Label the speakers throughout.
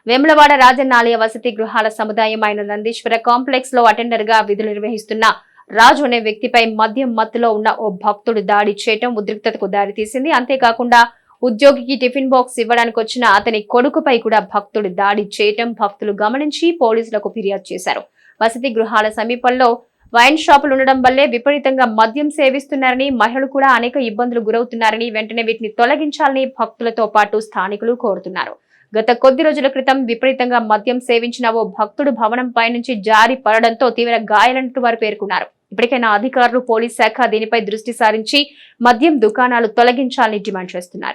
Speaker 1: వేములవాడ రాజన్న ఆలయ వసతి గృహాల సముదాయం అయిన నందీశ్వర కాంప్లెక్స్ లో అటెండర్ గా విధులు నిర్వహిస్తున్న రాజు అనే వ్యక్తిపై మద్యం మత్తులో ఉన్న ఓ భక్తుడు దాడి చేయడం ఉద్రిక్తతకు దారితీసింది. అంతేకాకుండా ఉద్యోగికి టిఫిన్ బాక్స్ ఇవ్వడానికి వచ్చిన అతని కొడుకుపై కూడా భక్తుడు దాడి చేయడం భక్తులు గమనించి పోలీసులకు ఫిర్యాదు చేశారు. వసతి గృహాల సమీపంలో వైన్ షాపులు ఉండడం వల్లే విపరీతంగా మద్యం సేవిస్తున్నారని, మహిళలు కూడా అనేక ఇబ్బందులు గురవుతున్నారని, వెంటనే వీటిని తొలగించాలని భక్తులతో పాటు స్థానికులు కోరుతున్నారు. గత కొద్ది రోజుల క్రితం విపరీతంగా మద్యం సేవించిన ఓ భక్తుడు భవనం పైనుంచి జారి పడడంతో తీవ్ర గాయాలంటూ వారు పేర్కొన్నారు. ఇప్పటికైనా అధికారులు, పోలీస్ శాఖ దీనిపై దృష్టి సారించి మద్యం దుకాణాలు తొలగించాలని డిమాండ్ చేస్తున్నారు.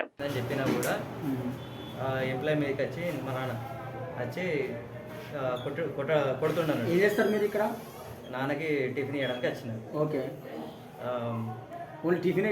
Speaker 2: నాన్నకి టిఫిన్ ఇవ్వడానికి వచ్చిన.
Speaker 3: ఓకే, టిఫిన్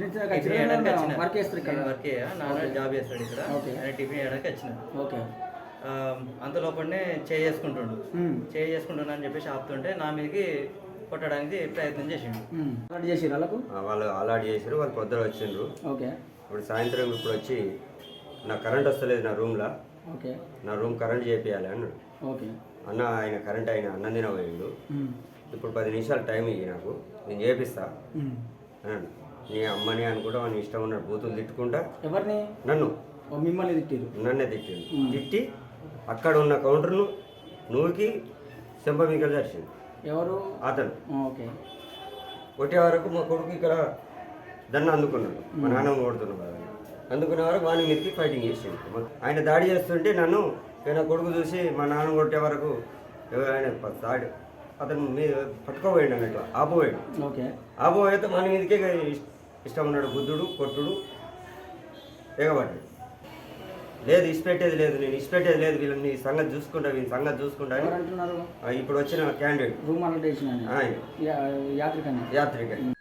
Speaker 2: వర్క్ నాన్న జాబ్ చేస్తాడు ఇక్కడ. ఆయన టిఫిన్ ఇవ్వడానికి వచ్చిన.
Speaker 3: ఓకే,
Speaker 2: అంతలోపలనే చేసుకుంటున్నా అని చెప్పేసి ఆపుతుంటే నా మీదకి కొట్టడానికి ప్రయత్నం చేసిండు.
Speaker 4: వాళ్ళు అలాట్ చేసారు. వాళ్ళు పొద్దున వచ్చిండ్రు.
Speaker 3: ఓకే,
Speaker 4: ఇప్పుడు సాయంత్రం ఇప్పుడు వచ్చి నా కరెంట్ వస్తలేదు నా రూమ్లో.
Speaker 3: ఓకే,
Speaker 4: నా రూమ్ కరెంట్ చేపియాలి అన్నాడు.
Speaker 3: ఓకే,
Speaker 4: అన్న ఆయన కరెంట్ ఆయన అన్నం తినబోయిండు. ఇప్పుడు 10 నిమిషాలు టైం ఇయ్యి, నాకు నేను చేపిస్తా అన్నాడు. నీ అమ్మని అనుకుంటా వాడిని ఇష్టం ఉన్నాడు. బూతులు తిట్టుకుంటా.
Speaker 3: ఎవరిని?
Speaker 4: నన్ను.
Speaker 3: మిమ్మల్ని తిట్టిరు?
Speaker 4: నన్నే తిట్టిండు. తిట్టి అక్కడ ఉన్న కౌంటర్ను నువ్వుకి చెంపమికలు జరిచింది.
Speaker 3: ఎవరు?
Speaker 4: అతను.
Speaker 3: ఓకే,
Speaker 4: కొట్టే వరకు మా కొడుకు ఇక్కడ దన్న అందుకున్నాడు. మా నాన్న కొడుతున్నాడు కదా, అందుకునే వరకు వాని మీదకి ఫైటింగ్ చేసిండు. ఆయన దాడి చేస్తుంటే నన్ను నా కొడుకు చూసి మా నాన్న కొట్టే వరకు ఆయన దాడి అతను మీద పట్టుకోబోయాడు అన్నట్టు ఆపోయాడు.
Speaker 3: ఓకే,
Speaker 4: ఆపోయితే మన మీదకే ఇష్టం ఉన్నాడు. బుద్ధుడు కొట్టుడు ఎగబడ్డాడు. లేదు ఇష్టపెట్టేది లేదు, నేను ఇష్టపెట్టేది లేదు, వీళ్ళని సంగతి చూసుకుంటా, వీళ్ళ సంగతి చూసుకుంటా అని ఇప్పుడు వచ్చిన క్యాండిడేట్
Speaker 3: రూమ్
Speaker 4: ఆయన యాత్రికని